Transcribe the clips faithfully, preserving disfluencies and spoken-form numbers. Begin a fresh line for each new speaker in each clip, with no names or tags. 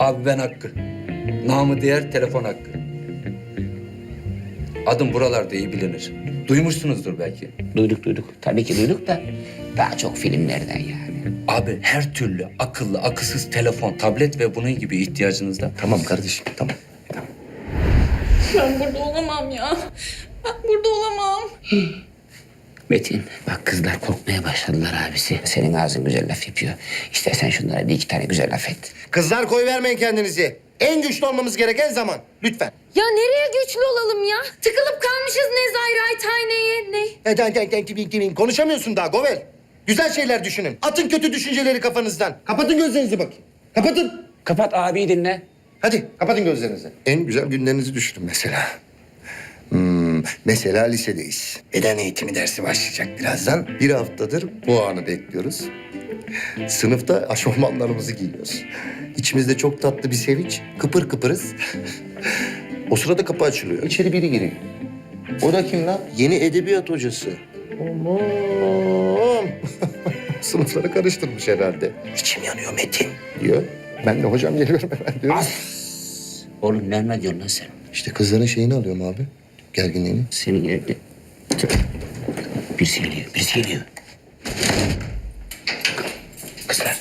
Abi ben Hakkı. Namı diğer telefon Hakkı. Adım buralarda iyi bilinir. Duymuşsunuzdur belki.
Duyduk duyduk. Tabii ki duyduk da daha çok filmlerden yani.
Abi her türlü akıllı, akılsız telefon, tablet ve bunun gibi ihtiyacınızda.
Tamam kardeşim, tamam.
Ben burada olamam ya. Ben burada olamam.
Metin bak kızlar korkmaya başladılar abisi. Senin ağzın güzel laf yapıyor. İstersen şunlara bir iki tane güzel laf et.
Kızlar koy vermeyin kendinizi. En güçlü olmamız gereken zaman. Lütfen.
Ya nereye güçlü olalım ya? Tıkılıp kalmışız Nezairathane'ye. Ne?
Eden, eden, eden, eden. Konuşamıyorsun daha Govel. Güzel şeyler düşünün. Atın kötü düşünceleri kafanızdan. Kapatın gözlerinizi bakayım. Kapatın.
Kapat abiyi dinle.
Hadi kapatın gözlerinizi. En güzel günlerinizi düşünün mesela. Hmm, mesela lisedeyiz. Beden eğitimi dersi başlayacak birazdan. Bir haftadır bu anı bekliyoruz. Sınıfta aşofmanlarımızı giyiyoruz. İçimizde çok tatlı bir sevinç. Kıpır kıpırız. O sırada kapı açılıyor. İçeri biri giriyor. O da kim lan? Yeni edebiyat hocası. Aman. Sınıfları karıştırmış herhalde. İçim yanıyor Metin diyor. Ben de hocam geliyorum hemen diyorum.
Oğlum ne diyorsun lan sen?
İşte kızların şeyini alıyorum abi. Gerginliğini.
Senin evde. Birisi geliyor, birisi geliyor. Kızlar.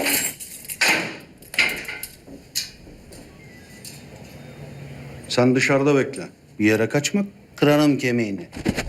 Sen dışarıda bekle. Bir yere kaçma, kırarım kemiğini.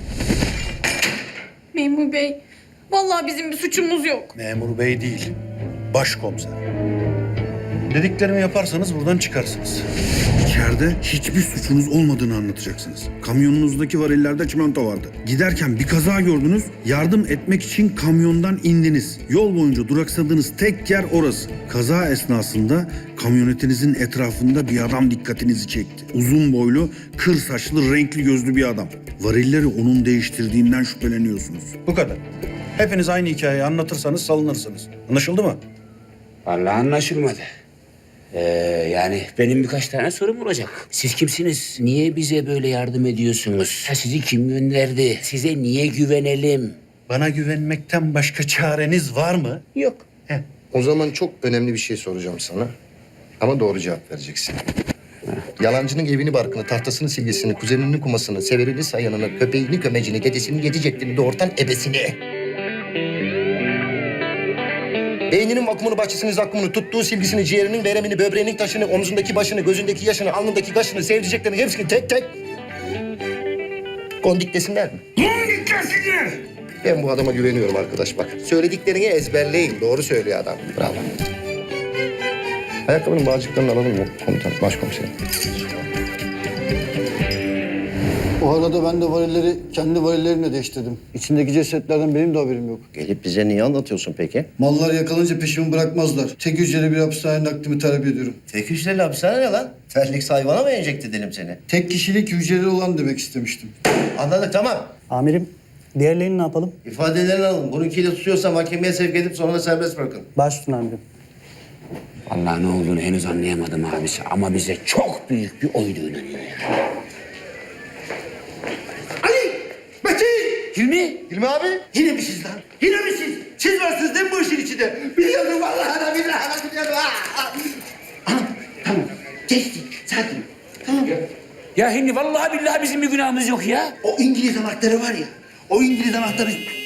Memur bey, vallahi bizim bir suçumuz yok.
Memur bey değil, başkomiser. Dediklerimi yaparsanız buradan çıkarsınız. İçeride hiçbir suçunuz olmadığını anlatacaksınız. Kamyonunuzdaki varillerde çimento vardı. Giderken bir kaza gördünüz, yardım etmek için kamyondan indiniz. Yol boyunca duraksadığınız tek yer orası. Kaza esnasında kamyonetinizin etrafında bir adam dikkatinizi çekti. Uzun boylu, kır saçlı, renkli gözlü bir adam. Varilleri onun değiştirdiğinden şüpheleniyorsunuz. Bu kadar. Hepiniz aynı hikayeyi anlatırsanız salınırsınız. Anlaşıldı mı?
Vallahi anlaşılmadı. Ee, yani benim birkaç tane sorum olacak. Siz kimsiniz? Niye bize böyle yardım ediyorsunuz? Ha, sizi kim gönderdi? Size niye güvenelim?
Bana güvenmekten başka çareniz var mı?
Yok.
Heh.
O zaman çok önemli bir şey soracağım sana. Ama doğru cevap vereceksin. Yalancının evini barkını, tahtasını silgisini, kuzeninin kumasını, severini sayanını, köpeğini kömecini, dedesini yedi ceddini, doğurtan ebesini. Beyninin vakumunu, bahçesinin zakkumunu, tuttuğu silgisini, ciğerinin veremini, böbreğinin taşını, omzundaki başını, gözündeki yaşını, alnındaki kaşını, sevdiceklerini hepsini tek tek... Kondik desinler mi? Kondik desinler! Ben bu adama güveniyorum arkadaş bak. Söylediklerini ezberleyin. Doğru söylüyor adam. Bravo. Ayakkabının bağcıklarını alalım mı komutan, başkomiserim?
O arada ben de varilleri kendi varillerimle değiştirdim. İçindeki cesetlerden benim de haberim yok.
Gelip bize niye anlatıyorsun peki?
Mallar yakalanınca peşimi bırakmazlar. Tek hücreli bir hapishane naklimi talep ediyorum.
Tek hücreli hapishane ne lan? Terlik hayvana mı enjekte edelim seni?
Tek kişilik hücreli olan demek istemiştim.
Anladık tamam.
Amirim, diğerlerini ne yapalım?
İfadelerini alın. Bununkiyle tutuyorsa mahkemeye sevk edip sonra da serbest bırakın.
Baş üstüne amirim.
Vallahi ne olduğunu henüz anlayamadım abisi. Ama bize çok büyük bir oydu inanıyor yani.
Ali! Metin!
Hilmi!
Hilmi abi? Yine mi siz lan? Yine mi siz? Siz varsınız değil mi bu işin içinde? Biliyordum vallahi da billahi da biliyordum. Ah! Tamam, tamam. Geçti. Sakin. Tamam.
Ya Hilmi vallahi billahi bizim bir günahımız yok ya.
O İngiliz anahtarı var ya. O İngiliz anahtarı...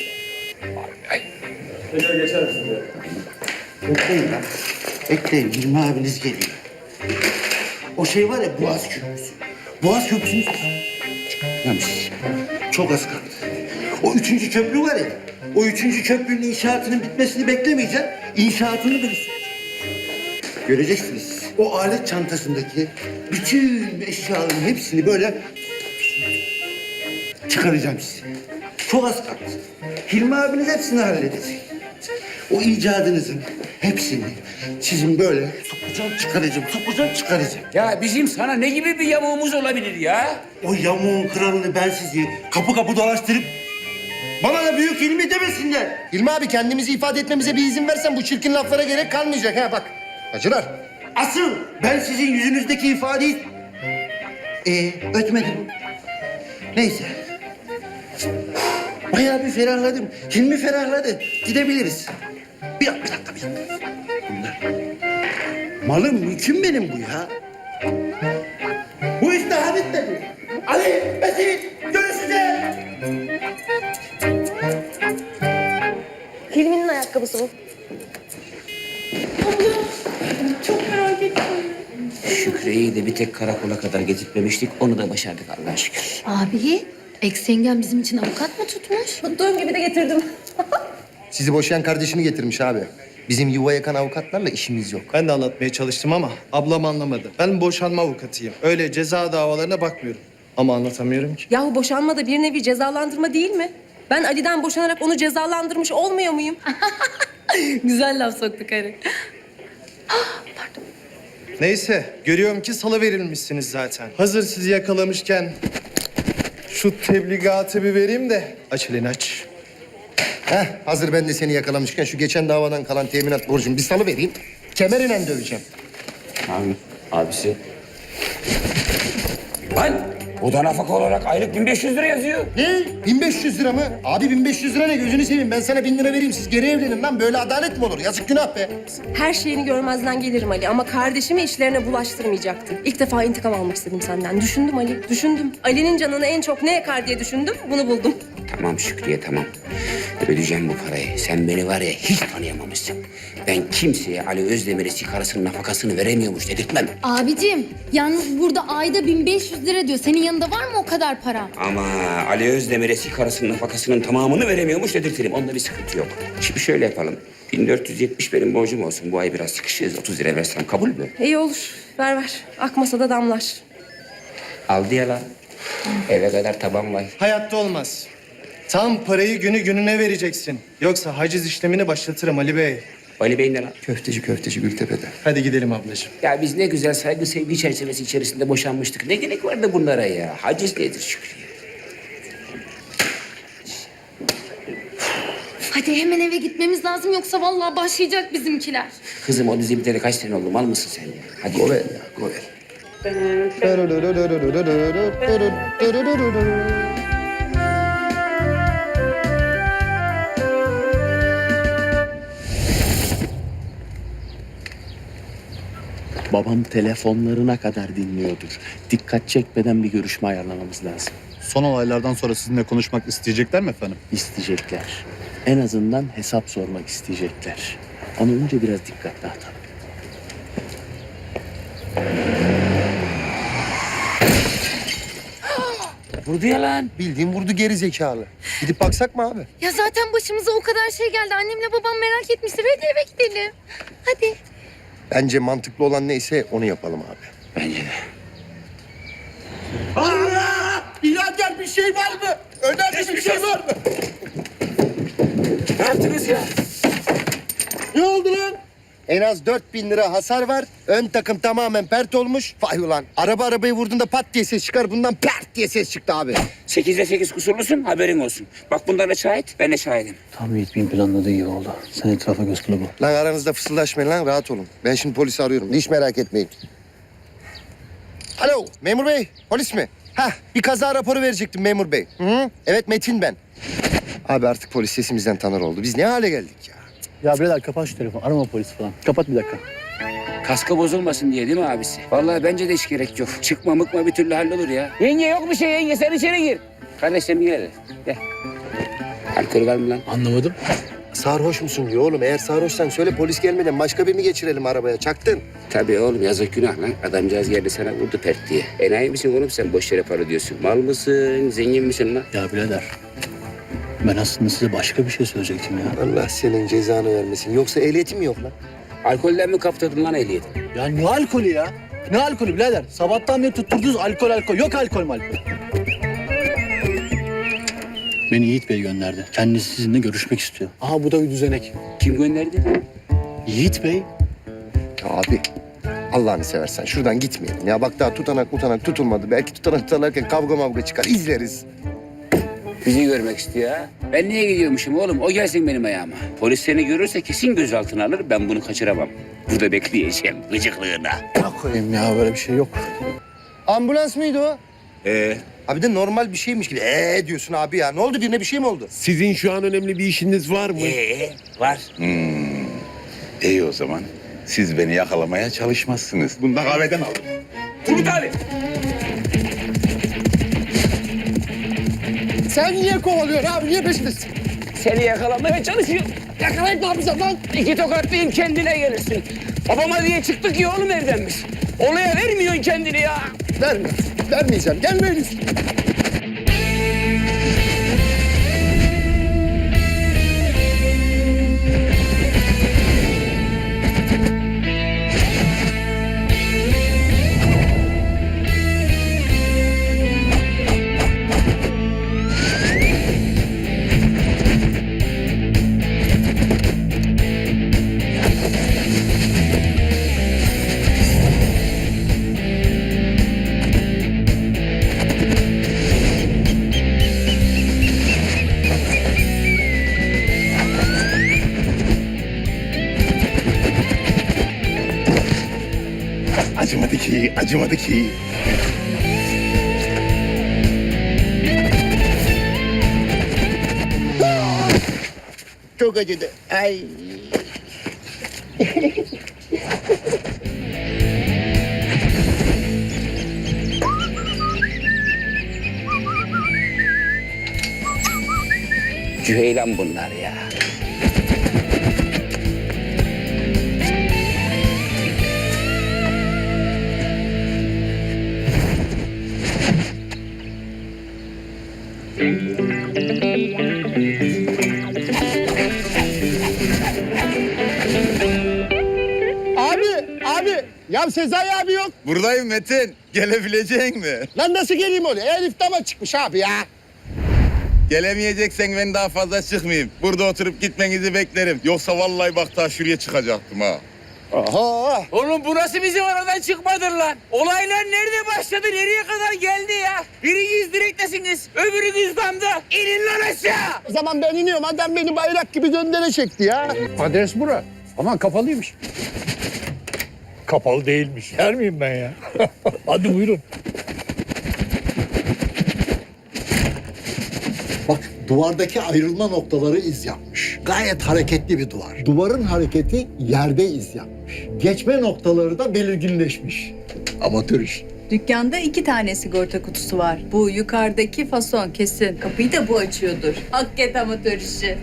Bekleyin lan. Bekleyin. Hilmi abiniz geliyor. O şey var ya Boğaz Köprüsü. Boğaz Köprüsü'nü çıkartmamış. Çok az kaldı. O üçüncü köprü var ya. O üçüncü köprünün inşaatının bitmesini beklemeyeceğim. İnşaatını böyle göreceksiniz. O alet çantasındaki bütün eşyaların hepsini böyle çıkaracağım size. Çok az kaldı. Hilmi abiniz hepsini halledecek. O icadınızın hepsini sizin böyle sokacağım çıkaracağım, sokacağım çıkaracağım.
Ya bizim sana ne gibi bir yamuğumuz olabilir ya?
O yamuğun kralını ben sizi kapı kapı dolaştırıp bana da büyük Hilmi demesinler. Hilmi abi kendimizi ifade etmemize bir izin versen bu çirkin laflara gerek kalmayacak ha bak. Hacılar. Asıl ben sizin yüzünüzdeki ifadeyi... Ee, ötmedim. Neyse. Bayağı bir ferahladım. Hilmi ferahladı. Gidebiliriz. Bir dakika, bir dakika, bir dakika. Bunlar.
Malım mülküm benim bu ya. Bu iş daha bitmedi. Ali, Metin, görüşeceğiz.
Hilmi'nin ayakkabısı bu.
Şükriye'yi de bir tek karakola kadar getirtmemiştik. Onu da başardık Allah'a şükür.
Abi, ex yengem bizim için avukat mı tutmuş?
Tuttuğum gibi de getirdim.
Sizi boşayan kardeşini getirmiş abi. Bizim yuva yakan avukatlarla işimiz yok.
Ben de anlatmaya çalıştım ama ablam anlamadı. Ben boşanma avukatıyım. Öyle ceza davalarına bakmıyorum. Ama anlatamıyorum ki.
Yahu boşanma da bir nevi cezalandırma değil mi? Ben Ali'den boşanarak onu cezalandırmış olmuyor muyum? Güzel laf soktu karı.
Neyse, görüyorum ki salı verilmişsiniz zaten. Hazır sizi yakalamışken şu tebligatı bir vereyim de aç elini aç.
Heh, hazır ben de seni yakalamışken şu geçen davadan kalan teminat borcumu bir salı vereyim. Kemeriyle döveceğim.
Abi, abisi. Lan! O da nafaka olarak aylık bin beş yüz lira yazıyor.
Ne? bin beş yüz lira mı? Abi bin beş yüz lira ne? Gözünü seveyim. Ben sana bin lira vereyim. Siz geri evlenin lan. Böyle adalet mi olur? Yazık günah be.
Her şeyini görmezden gelirim Ali ama kardeşimi işlerine bulaştırmayacaktım. İlk defa intikam almak istedim senden. Düşündüm Ali, düşündüm. Ali'nin canını en çok ne yakar diye düşündüm, bunu buldum.
Tamam Şükriye tamam. Ödeyeceğim bu parayı. Sen beni var ya hiç tanıyamamışsın. Ben kimseye Ali Özdemir'e sigarasının nafakasını veremiyormuş dedirtmem.
Abicim, yalnız burada ayda bin beş yüz lira diyor. Senin yanında var mı o kadar para?
Ama Ali Özdemir'e sigarasının nafakasının tamamını veremiyormuş dedirtirim. Onda bir sıkıntı yok. Şimdi şöyle yapalım. bin dört yüz yetmiş benim borcum olsun. Bu ay biraz sıkışırız. otuz lira versem kabul mü?
İyi olur, ver ver. Akmasa da damlar.
Aldı ya lan. Eve kadar taban var.
Hayatta olmaz. Tam parayı günü gününe vereceksin. Yoksa haciz işlemini başlatırım Ali Bey.
Ali Bey ne lan?
Köfteci köfteci Gültepe'de.
Hadi gidelim ablacığım.
Ya biz ne güzel saygı sevgi çerçevesi içerisinde boşanmıştık. Ne gerek vardı bunlara ya? Haciz nedir Şükriye?
Hadi hemen eve gitmemiz lazım yoksa vallahi başlayacak bizimkiler.
Kızım o dizi biteli kaç sene oldu? Mal mısın sen ya? Hadi.
Govel ya, govel.
Babam telefonlarına kadar dinliyordur. Dikkat çekmeden bir görüşme ayarlamamız lazım.
Son olaylardan sonra sizinle konuşmak isteyecekler mi efendim?
İsteyecekler. En azından hesap sormak isteyecekler. Ama önce biraz dikkat dağıtalım.
Vurdu ya lan.
Bildiğin vurdu geri zekalı. Gidip baksak mı abi?
Ya zaten başımıza o kadar şey geldi. Annemle babam merak etmiştir. Hadi eve gidelim. Hadi.
Bence mantıklı olan neyse onu yapalım abi.
Bence de.
Allah! Birader bir şey var mı? Önemli bir şey var mı?
Ne yaptınız ya?
Ne oldu lan? En az dört bin lira hasar var. Ön takım tamamen pert olmuş. Vay ulan. Araba arabayı vurduğunda pat diye ses çıkar. Bundan pert diye ses çıktı abi.
Sekizde sekiz kusurlusun haberin olsun. Bak bunlar da şahit, ben de şahidim.
Tam Yiğit Bey'in planladığı gibi oldu. Sen etrafa göz kılı bu.
Lan aranızda fısıldaşmayın lan. Rahat olun. Ben şimdi polisi arıyorum. Hiç merak etmeyin. Alo memur bey. Polis mi? Hah bir kaza raporu verecektim memur bey. Hı -hı. Evet Metin ben. Abi artık polis sesimizden tanır oldu. Biz ne hale geldik ya?
Ya birader kapat şu telefonu. Arama polis falan. Kapat bir dakika.
Kaskı bozulmasın diye değil mi abisi? Vallahi bence de hiç gerek yok. Çıkma mıkma bir türlü hallolur ya. Yenge yok bir şey yenge sen içeri gir. Kardeşlerim gel hele. Gel. Alkol var mı lan?
Anlamadım.
Sarhoş musun diyor oğlum. Eğer sarhoşsan söyle polis gelmeden başka birini geçirelim arabaya. Çaktın.
Tabii oğlum yazık günah lan. Adamcağız geldi sana vurdu pert diye. Enayi misin oğlum sen boş yere para diyorsun. Mal mısın? Zengin misin lan?
Ya birader. Ben aslında size başka bir şey söyleyecektim ya.
Allah senin cezanı vermesin. Yoksa ehliyetin mi yok lan?
Alkolden mi kaptırdın lan ehliyeti?
Ya ne alkolü ya? Ne alkolü birader? Sabahtan beri tutturdunuz alkol alkol. Yok alkol malkol. Beni Yiğit Bey gönderdi. Kendisi sizinle görüşmek istiyor. Aha bu da bir düzenek.
Kim gönderdi?
Yiğit Bey.
Ya abi Allah'ını seversen şuradan gitmeyelim. Ya bak daha tutanak mutanak tutulmadı. Belki tutanak tutarlarken kavga mavga çıkar. İzleriz.
Bizi görmek istiyor ha. Ben niye gidiyormuşum oğlum? O gelsin benim ayağıma. Polis seni görürse kesin gözaltına alır. Ben bunu kaçıramam. Burada bekleyeceğim gıcıklığına.
Ne koyayım ya böyle bir şey yok.
Ambulans mıydı o?
Ee?
Abi de normal bir şeymiş gibi. Ee diyorsun abi ya. Ne oldu birine bir şey mi oldu?
Sizin şu an önemli bir işiniz var mı?
Ee, var.
İyi o zaman. Siz beni yakalamaya çalışmazsınız. Bunu da kahveden aldım. Turgut abi.
Sen niye kovalıyorsun abi? Niye peşindesin?
Seni yakalamaya çalışıyor.
Yakalayıp ne yapacağım lan?
İki tokatlayayım kendine gelirsin. Babama diye çıktık ya oğlum evden biz. Olaya vermiyorsun kendini ya.
Verme. Vermeyeceğim. Gelmeyin üstüne.
Acımadı ki, acımadı ki.
Çok acıdı. Ay.
Cüheylan bunlar ya.
Abi, abi. Ya Sezai abi yok.
Buradayım Metin. Gelebilecek mi?
Lan nasıl geleyim oraya? Elif dama çıkmış abi ya.
Gelemeyeceksen ben daha fazla çıkmayayım. Burada oturup gitmenizi beklerim. Yoksa vallahi bak daha şuraya çıkacaktım ha.
Oho.
Oğlum burası bizim aradan çıkmadır lan. Olaylar nerede başladı, nereye kadar geldi ya? Biriniz direktesiniz, öbürünüz damda. İnin lan aşağı.
O zaman ben iniyorum. Adam beni bayrak gibi göndere çekti ya.
Adres bura. Ama kapalıymış. Kapalı değilmiş. Yer miyim ben ya? Hadi buyurun.
Bak duvardaki ayrılma noktaları iz yapmış. Gayet hareketli bir duvar. Duvarın hareketi yerde iz yapmış. Geçme noktaları da belirginleşmiş. Amatör iş.
Dükkanda iki tane sigorta kutusu var. Bu yukarıdaki fason kesin. Kapıyı da bu açıyordur. Hakikaten amatör işi.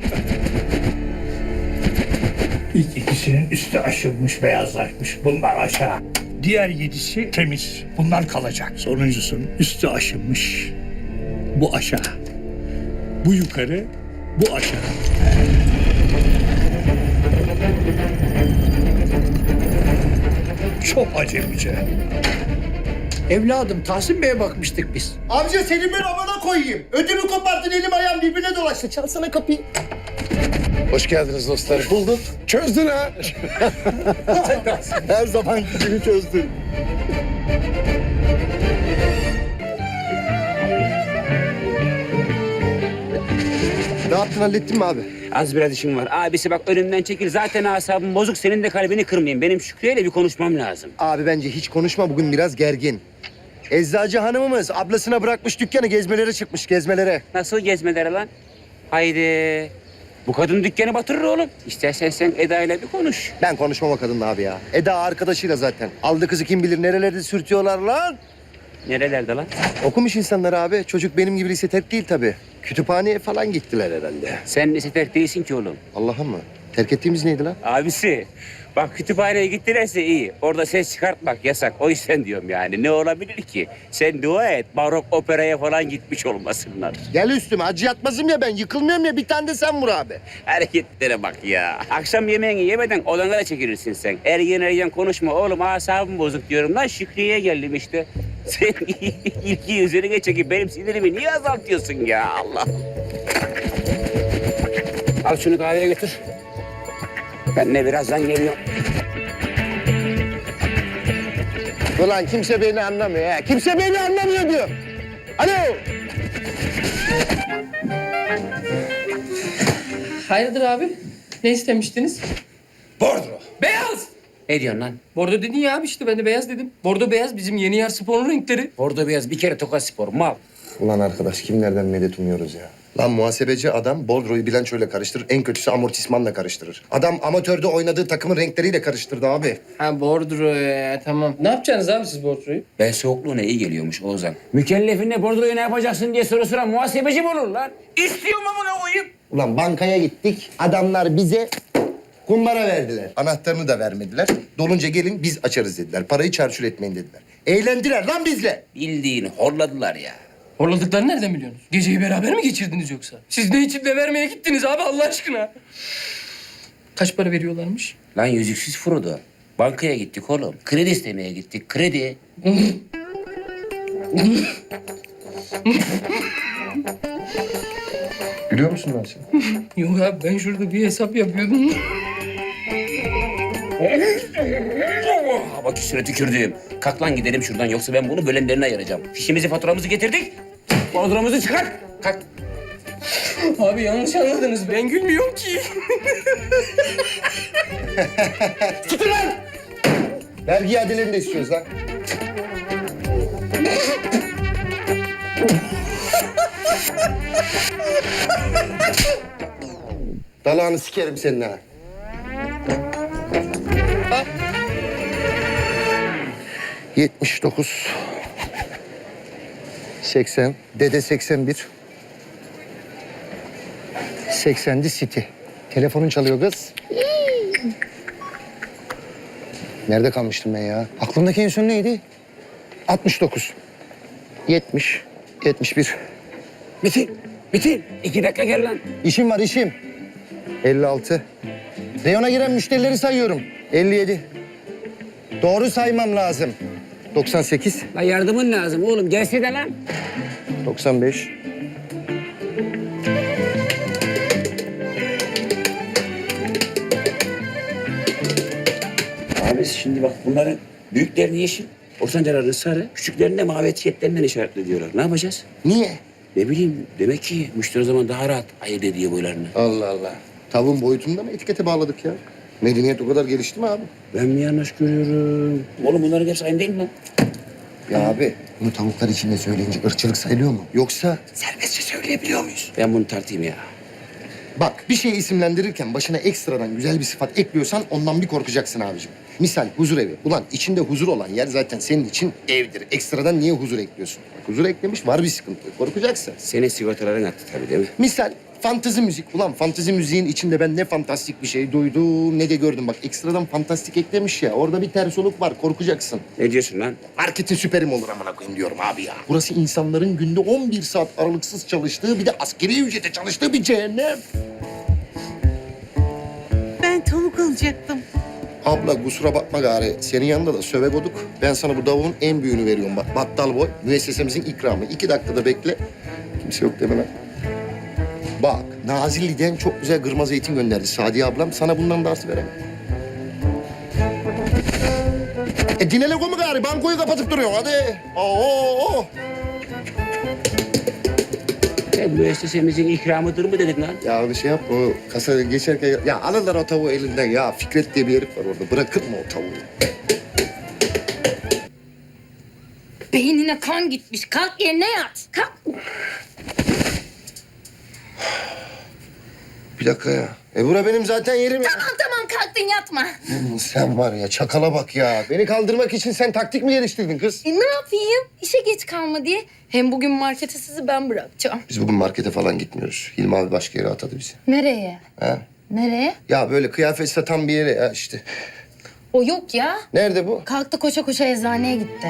İlk ikisinin üstü aşılmış, beyazlaşmış. Bunlar aşağı. Diğer yedisi temiz. Bunlar kalacak. Sonuncusunun üstü aşınmış. Bu aşağı. Bu yukarı, bu aşağı. Çok acemice.
Evladım Tahsin Bey'e bakmıştık biz. Amca seni ben amana koyayım. Ödümü koparttın, elim ayağım birbirine dolaştı. Çalsana kapıyı.
Hoş geldiniz dostlar.
Bulduk.
Çözdün ha.
Her zamanki gibi çözdün. Ne yaptın, hallettin mi abi?
Az biraz işim var. Abisi bak önümden çekil. Zaten asabım bozuk. Senin de kalbini kırmayayım. Benim Şükrü'yle bir konuşmam lazım.
Abi bence hiç konuşma, bugün biraz gergin. Eczacı hanımımız ablasına bırakmış dükkanı, gezmelere çıkmış, gezmelere.
Nasıl gezmeleri lan? Haydi. Bu kadın dükkanı batırır oğlum. İstersen sen Eda ile bir konuş.
Ben konuşmam o kadınla abi ya. Eda arkadaşıyla zaten. Aldı kızı kim bilir nerelerde sürtüyorlar lan.
Nerelerde lan?
Okumuş insanlar abi. Çocuk benim gibi lise terk değil tabii. Kütüphaneye falan gittiler herhalde.
Sen lise terk değilsin ki oğlum.
Allah'ım mı? Terk ettiğimiz neydi lan?
Abisi, bak kütüphaneye gittilerse iyi. Orada ses çıkartmak yasak. O yüzden diyorum yani. Ne olabilir ki? Sen dua et, barok operaya falan gitmiş olmasınlar.
Gel üstüme. Acı yatmazım ya ben. Yıkılmıyorum ya. Bir tane de sen vur abi.
Hareketlere bak ya. Akşam yemeğini yemeden odana da çekilirsin sen. Ergen ergen konuşma oğlum. Asabım bozuk diyorum lan. Şükrü'ye geldim işte. Sen ilgiyi üzerine çekip benim sinirimi niye azaltıyorsun ya Allah? Al şunu kahveye götür. Ben de birazdan geliyorum.
Ulan kimse beni anlamıyor ha. Kimse beni anlamıyor diyor. Alo.
Hayırdır abi? Ne istemiştiniz?
Bordro.
Beyaz!
Ne diyorsun lan?
Bordo dedin ya abi işte ben de beyaz dedim. Bordo beyaz bizim yeni yer sporun renkleri.
Bordo beyaz bir kere Tokat Spor mal.
Ulan arkadaş kimlerden medet umuyoruz ya? Lan muhasebeci adam bordroyu bilançoyla karıştırır. En kötüsü amortismanla karıştırır. Adam amatörde oynadığı takımın renkleriyle karıştırdı abi.
Ha bordro ya tamam. Ne yapacaksınız abi siz bordroyu?
Ben soğukluğuna iyi geliyormuş Oğuzhan. Mükellefine bordroyu ne yapacaksın diye soru soran muhasebeci mi olur lan? İstiyor mu bunu koyayım?
Ulan bankaya gittik. Adamlar bize kumbara verdiler. Anahtarını da vermediler. Dolunca gelin biz açarız dediler. Parayı çarçur etmeyin dediler. Eğlendiler lan bizle.
Bildiğini horladılar ya.
Horladıklarını nereden biliyorsunuz? Geceyi beraber mi geçirdiniz yoksa? Siz ne için de vermeye gittiniz abi Allah aşkına? Kaç para veriyorlarmış?
Lan yüzüksüz Frodo. Bankaya gittik oğlum. Kredi istemeye gittik. Kredi.
Gülüyor musun lan sen?
Yok abi ben şurada bir hesap yapıyordum.
Oh, bak üstüne tükürdüm. Kalk lan gidelim şuradan yoksa ben bunu bölenlerine ayıracağım. Fişimizi faturamızı getirdik. Bordromuzu çıkar. Kalk.
Abi yanlış anladınız. Ben gülmüyorum ki.
Tutun lan! Vergi iadelerini de istiyoruz lan. Dalağını sikerim senin ha. Yetmiş dokuz. Seksen. Dede seksen bir. Seksendi City. Telefonun çalıyor kız. Nerede kalmıştım ben ya? Aklımdaki en son neydi? altmış dokuz. yetmiş. yetmiş bir.
Metin, Metin. iki dakika gel lan.
İşim var işim. elli altı. Reyona giren müşterileri sayıyorum. elli yedi. Doğru saymam lazım. doksan sekiz.
Lan yardımın lazım oğlum. Gelsene lan.
doksan beş.
Abi şimdi bak bunların büyüklerini yeşil, ortancalarını sarı, küçüklerini de mavi etiketlerinden işaretliyorlar. Ne yapacağız?
Niye?
Ne bileyim demek ki müşteri o zaman daha rahat ayırt ediyor boylarını.
Allah Allah. Tavuğun boyutunda mı etikete bağladık ya? Medeniyet o kadar gelişti mi abi?
Ben mi yanlış görüyorum? Oğlum bunların hepsi aynı değil mi lan?
Ya abi bunu tavuklar içinde söyleyince ırkçılık sayılıyor mu? Yoksa
Serbestçe söyleyebiliyor muyuz? Ben bunu tartayım ya.
bak bir şeyi isimlendirirken başına ekstradan güzel bir sıfat ekliyorsan ondan bir korkacaksın abicim. Misal huzur evi. Ulan içinde huzur olan yer zaten senin için evdir. Ekstradan niye huzur ekliyorsun? Bak, huzur eklemiş var bir sıkıntı. Korkacaksın.
Senin sigortaların attı tabii değil mi?
Misal fantezi müzik. Ulan fantezi müziğin içinde ben ne fantastik bir şey duydum ne de gördüm. Bak ekstradan fantastik eklemiş ya. Orada bir ters oluk var. Korkacaksın.
Ne diyorsun lan?
Marketin süperim olur amına koyayım diyorum abi ya. Burası insanların günde on bir saat aralıksız çalıştığı bir de askeri ücrete çalıştığı bir cehennem.
Ben tavuk alacaktım.
Abla kusura bakma gari. Senin yanında da söve goduk. Ben sana bu tavuğun en büyüğünü veriyorum bak. Battal boy. Müessesemizin ikramı. İki dakikada bekle. Kimse yok deme lan. Bak Nazilli'den çok güzel kırmızı zeytin gönderdi Sadiye ablam. Sana bundan da artı veremem. E dinele komu gari. Bankoyu kapatıp duruyor hadi. Oo.
Sen müessesemizin ikramıdır mı dedin lan?
Ya bir şey yap o kasaya geçerken ya alırlar o tavuğu elinden ya. Fikret diye bir herif var orada. Bırakır mı o tavuğu?
Beynine kan gitmiş. Kalk yerine yat. Kalk.
Bir dakika ya. E bura benim zaten yerim ya.
Tamam tamam kalktın yatma.
Hmm, sen var ya çakala bak ya. Beni kaldırmak için sen taktik mi geliştirdin kız?
E, ne yapayım? İşe geç kalma diye. Hem bugün markete sizi ben bırakacağım.
Biz bugün markete falan gitmiyoruz. Hilmi abi başka yere atadı bizi.
Nereye?
Ha?
Nereye?
Ya böyle kıyafet satan bir yere ya işte.
O yok ya.
Nerede bu?
Kalktı koşa koşa eczaneye gitti.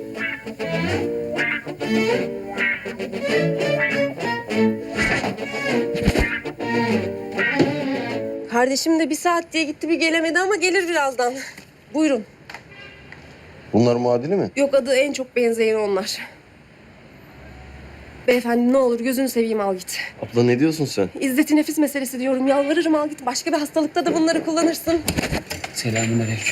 Kardeşim de bir saat diye gitti bir gelemedi ama gelir birazdan. Buyurun.
Bunlar muadili mi?
Yok adı en çok benzeyen onlar. Beyefendi ne olur gözünü seveyim al git.
Abla ne diyorsun sen?
İzzeti nefis meselesi diyorum. Yalvarırım al git. Başka bir hastalıkta da bunları kullanırsın.
Selamünaleyküm.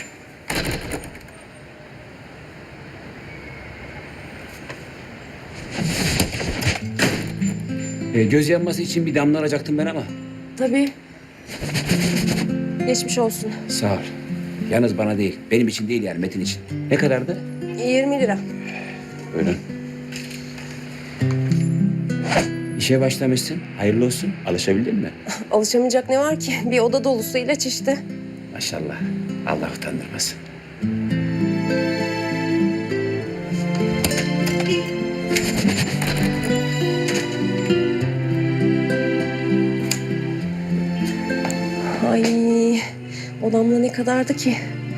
Ee, göz yanması için bir damla alacaktım ben ama.
Tabii. Geçmiş olsun.
Sağ ol. Yalnız bana değil. Benim için değil yani Metin için. Ne kadardı?
yirmi lira.
Buyurun. İşe başlamışsın. Hayırlı olsun. Alışabildin mi?
Alışamayacak ne var ki? Bir oda dolusu ilaç işte.
Maşallah. Allah utandırmasın.
Ay, odamda ne kadardı ki?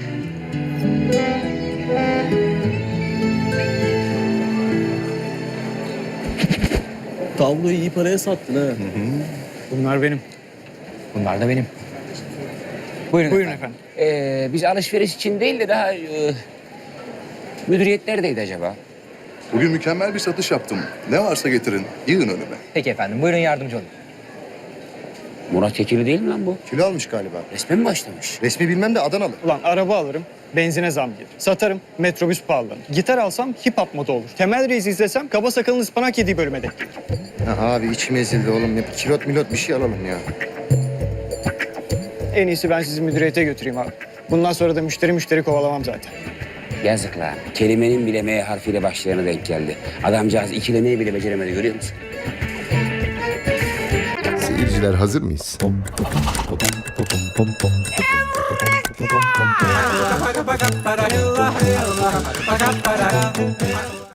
Tabloyu iyi paraya sattın ha.
Bunlar benim.
Bunlar da benim. Buyurun,
Buyurun
efendim. Ee, biz alışveriş için değil de daha... E, müdüriyet neredeydi acaba?
Bugün mükemmel bir satış yaptım. Ne varsa getirin. Yığın önüme.
Peki efendim buyurun yardımcı olun.
Murat Kekili değil mi lan bu?
Kilo almış galiba.
Resme mi başlamış?
Resmi bilmem de Adanalı.
Ulan araba alırım, benzine zam gelir. Satarım, metrobüs pahalanır. Gitar alsam hip hop moda olur. Temel Reis izlesem kaba sakalın ıspanak yediği bölüme denk gelir.
Ha, abi içim ezildi oğlum. Ne kilot milot bir şey alalım ya.
En iyisi ben sizi müdüriyete götüreyim abi. Bundan sonra da müşteri müşteri kovalamam zaten.
Yazık lan. Kelimenin bile M harfiyle başlayana denk geldi. Adamcağız ikilemeyi bile beceremedi, görüyor musun?
Seyirciler hazır mıyız?